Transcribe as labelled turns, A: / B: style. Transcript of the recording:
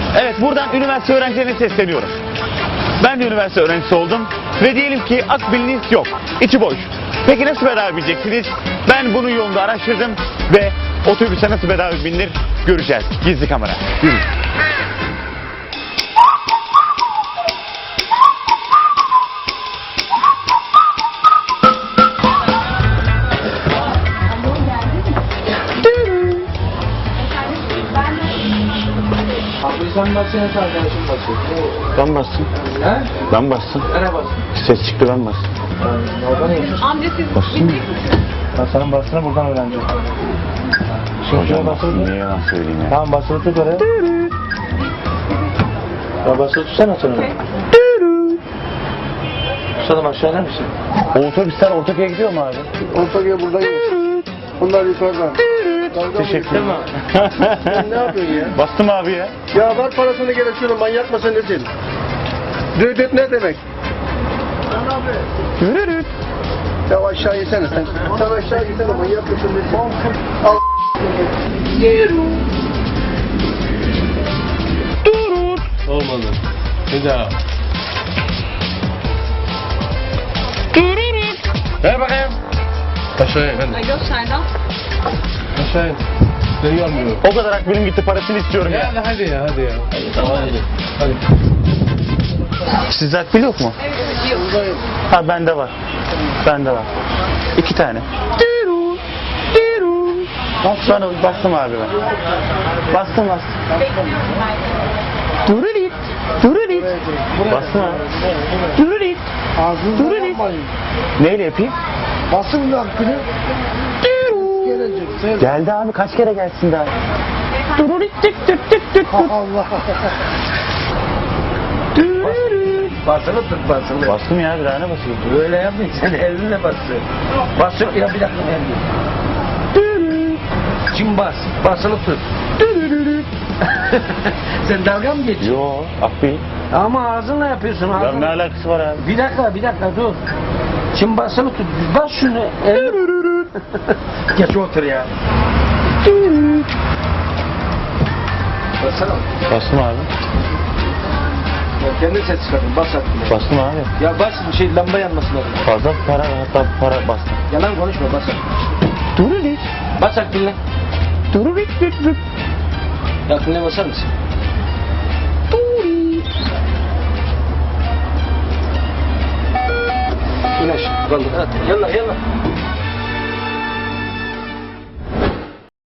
A: Evet, buradan üniversite öğrencilerine sesleniyorum. Ben de üniversite öğrencisi oldum ve diyelim ki akbiliniz yok, içi boş. Peki nasıl bedava bineceksiniz? Ben bunun yolunda araştırdım ve otobüse nasıl bedava binilir göreceğiz. Gizli kamera. Yürü.
B: Abi sen bassana, arkadaşım basıyor.
A: Ben bastım.
B: He?
A: Ben bastım.
B: Nereye bastın?
A: Ses çıktı, ben bastım.
B: Oradan yaşıyorsun.
C: Amca siz
A: Bastın mı?
B: Ben senin bastığını buradan öğreneceğim.
A: Hocam bastım, niye yalan söyleyeyim ya?
B: Tamam, basılı tut oraya. Ya basılı tutsana sen onu. Tutalım, aşağı iner misin?
A: O otobüsler Ortaköy'e gidiyor mu abi?
D: Ortakya buradayım. Bunlar yukarıdan.
A: Teşekkür ederim.
D: Sen ne yapıyorsun ya?
A: Bastım abi ya.
D: Ya ver parasını gene şunu, manyak mısın nesin? Düdüt ne demek?
A: Yürü.
D: Ya aşağı yesene sen. Sen aşağı yesene, manyak mısın nesin? Al.
B: Olmadı. Bir daha. Ver bakayım. Aşağıya efendim.
C: Alo Serdar.
B: Aşağıya. Seni görmüyorum.
A: O kadar akbilim gitti, parasını istiyorum ya.
B: Hadi ya. Tamam hadi. Hadi.
A: Sizde akbil yok mu?
C: Evet, yok.
A: Ha, bende var. Bende var. 2 tane. Bastım abi ben. Bastım. Dururit. Bastım abi. Dururit.
D: Ağzınızı yapmayın.
A: Neyle yapayım?
D: Basın lan günü. Gelecek. Sen.
A: Geldi abi, kaç kere gelsin daha? Dururit.
D: Allah.
B: Basılı tut basılı.
A: Bastım ya, bir tane basayım.
B: Böyle yapmayın, sen elinle basın. Basılı ya, bir dakika elini. Şimdi basılı tut. Sen dalga mı geçiyorsun?
A: Yo, akbil.
B: Ama ağzınla yapıyorsun.
A: Ya
B: Ağzınla.
A: ne alakası var abi?
B: Bir dakika dur. Şimdi basılı tut. Bas şunu. Geç otur ya. Basana.
A: Bastım abi.
B: Ya kendin ses çıkardın. Bas artık.
A: Bastım abi.
B: Ya bas, lamba yanması lazım.
A: Fazla para, hatta para bastım.
B: Yalan konuşma, bas artık.
A: Dururit.
B: Bas artık.
A: Dururit.
B: Yakınına basar mısın? İn aşağı. Kaldır. Hadi. Yallah.